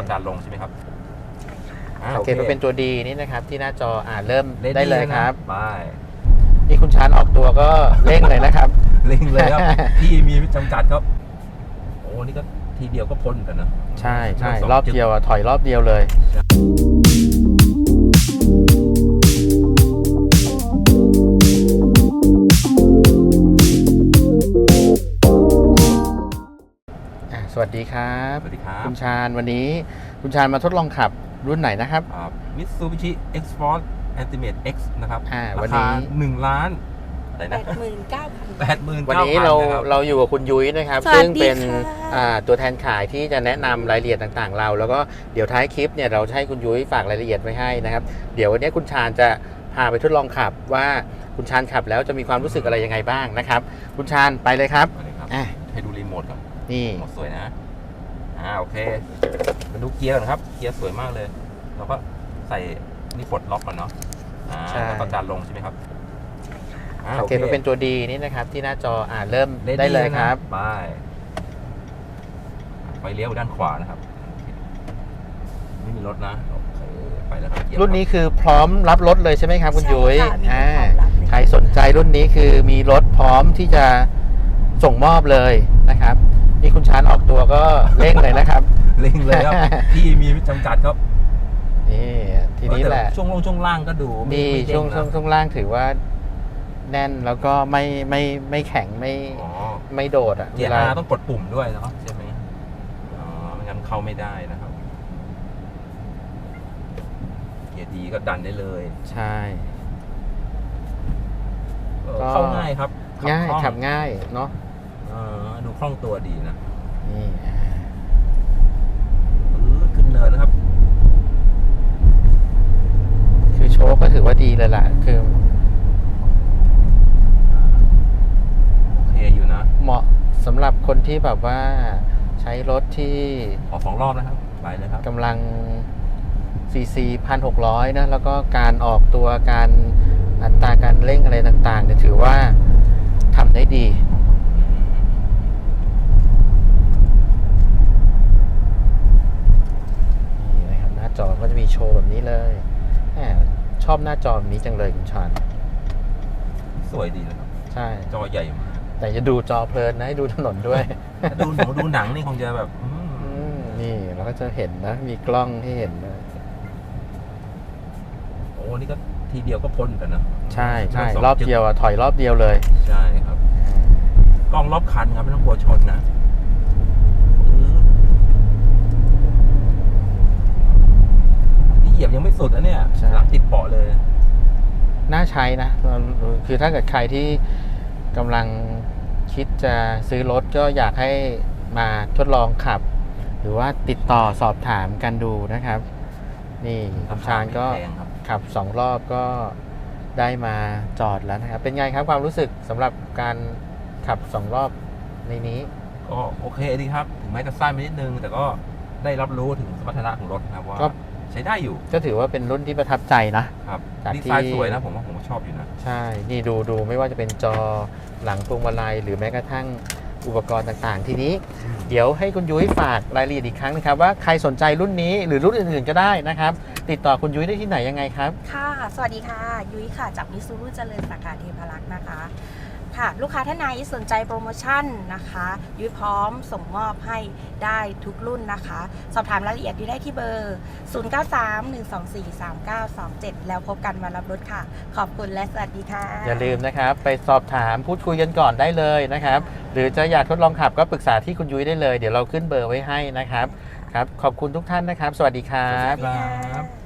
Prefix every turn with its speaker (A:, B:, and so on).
A: จานลงใช่ไหมครับ
B: สังเกตว่าเป็นตัวดีนี่นะครับที่หน้าจอเริ่มได้เลยครับ
A: ไป
B: นี่คุณชานออกตัวก็เร่งเลยนะครับ
A: เร่งเลยครับที่มีจำกัดครับโอ้นี่ก็ทีเดียวก็พ้นกันนะ
B: ใช่ใช่รอบเดียวถอยรอบเดียวเลยสวัสดีครับ
A: สวัสดีครับ
B: คุณชาญวันนี้คุณชาญมาทดลองขับรุ่นไหนนะครับ
A: Mitsubishi X-Force Ultimate X นะครับ
B: วันนี้
A: 1 ล้านอะไรนะ
B: วันนี้เราอยู่กับคุณยุ้ยนะครับซึ่งเป็นตัวแทนขายที่จะแนะนำรายละเอียดต่างๆเราแล้วก็เดี๋ยวท้ายคลิปเนี่ยเราให้คุณยุ้ยฝากรายละเอียดไว้ให้นะครับเดี๋ยววันนี้คุณชาญจะพาไปทดลองขับว่าคุณชาญขับแล้วจะมีความรู้สึกอะไรยังไงบ้างนะครับคุณชาญไปเลยครับ
A: ให้ดูรีโมทครับ
B: นี่
A: สวยนะโอเคมาดูเกียร์ก่อนครับเกียร์สวยมากเลยเราก็ใส่นี่ปลดล็อกก่อนเนาะแล้วก็ดันลงใช่ไหมครับ
B: สังเกตว่าเป็นตัวดีนี่นะครับที่หน้าจอเริ่มได้เลยครับ
A: ไปเลี้ยวด้านขวานะครับไม่มีรถนะไปแล้วครับ
B: รุ่นนี้คือพร้อมรับรถเลยใช่ไหมครับคุณยุ้ยใครสนใจรุ่นนี้คือมีรถพร้อมที่จะส่งมอบเลยนะครับนี่คุณชานออกตัวก็เร่งเลยนะครับ
A: เร่งเลยครับที่มีจำกัดครับ
B: นี่ทีนี้แหละ
A: ช่วงล่างก็ดู
B: นี่ช่วงล่างถือว่าแน่นแล้วก็ไม่แข็งไม่โดด
A: เกียร์ต้องกดปุ่มด้วยเนาะใช่ไหมไม่งั้นเข้าไม่ได้นะครับเกียร์ดีก็ดันได้เลย
B: ใช่
A: เข้าง่ายครับ
B: ง่ายขับง่ายเนาะ
A: ดูคล่องตัวดีนะ
B: นี่
A: ขึ้นเนินนะครับ
B: คือโชคก็ถือว่าดีเลยล่ะคือ
A: โอเคอยู่นะ
B: เหมาะสำหรับคนที่แบบว่าใช้รถที่
A: ออก2 รอบนะครับไปเลยครับ
B: กำลัง cc 1,600นะแล้วก็การออกตัวการอัตราการเร่งอะไรต่างๆเนี่ยถือว่าทำได้ดีนี่นะครับหน้าจอก็จะมีโชว์แบบนี้เลยชอบหน้าจอแบบนี้จังเลยคุณชาน
A: สวยดีนะครับ
B: ใช่
A: จอใหญ่มาก
B: แต่จะดูจอเพลินนะให้ดูถนนด้วย
A: ดูหนังนี่คงจะแบบ
B: นี่เราก็จะเห็นนะมีกล้องให้เห็นนะ
A: โอ้นี่ก็ทีเดียวก็พ้นกันนะ
B: ใช่ใช่รอบเดียวถอยรอบเดียวเลย
A: ใช่ครับกล้องรอบคันครับไม่ต้องกลัวชนนะนี่เหยียบยังไม่สุดนะเนี่ยหลังติดเบาะเลย
B: น่าใช้นะคือถ้าเกิดใครที่กำลังคิดจะซื้อรถก็อยากให้มาทดลองขับหรือว่าติดต่อสอบถามกันดูนะครับนี่คุณชาญก็ขับ2 รอบก็ได้มาจอดแล้วนะครับเป็นไงครับความรู้สึกสำหรับการขับ2 รอบในนี้
A: ก็โอเคดีครับถึงแม้จะสั้นไปนิดนึงแต่ก็ได้รับรู้ถึงสมรรถนะของรถครับว่าใช้ได้อยู่
B: ก็ถือว่าเป็นรุ่นที่ประทับใจนะครับ
A: ดีไซน์สวยนะผมว่าผมชอบอยู่นะ
B: ใช่นี่ดูไม่ว่าจะเป็นจอหลังพวงมาลัยหรือแม้กระทั่งอุปกรณ์ต่างๆทีนี้เดี๋ยวให้คุณยุ้ยฝากรายละเอียดอีกครั้งนะครับว่าใครสนใจรุ่นนี้หรือรุ่นอื่นๆก็ได้นะครับติดต่อคุณยุ้ยได้ที่ไหนยังไงครับ
C: ค่ะสวัสดีค่ะยุ้ยค่ะจากมิซูรุเจริญสาขาเทพารักษ์นะคะค่ะลูกค้าท่านไหนสนใจโปรโมชั่นนะคะยุ้ยพร้อมส่งมอบให้ได้ทุกรุ่นนะคะสอบถามรายละเอียดได้ที่เบอร์ 0931243927 แล้วพบกันวันรับรถค่ะขอบคุณและสวัสดีค่ะ
B: อย่าลืมนะครับไปสอบถามพูดคุยกันก่อนได้เลยนะครับหรือจะอยากทดลองขับก็ปรึกษาที่คุณยุ้ยได้เลยเดี๋ยวเราขึ้นเบอร์ไว้ให้นะครับครับขอบคุณทุกท่านนะครับสวัสดีครับ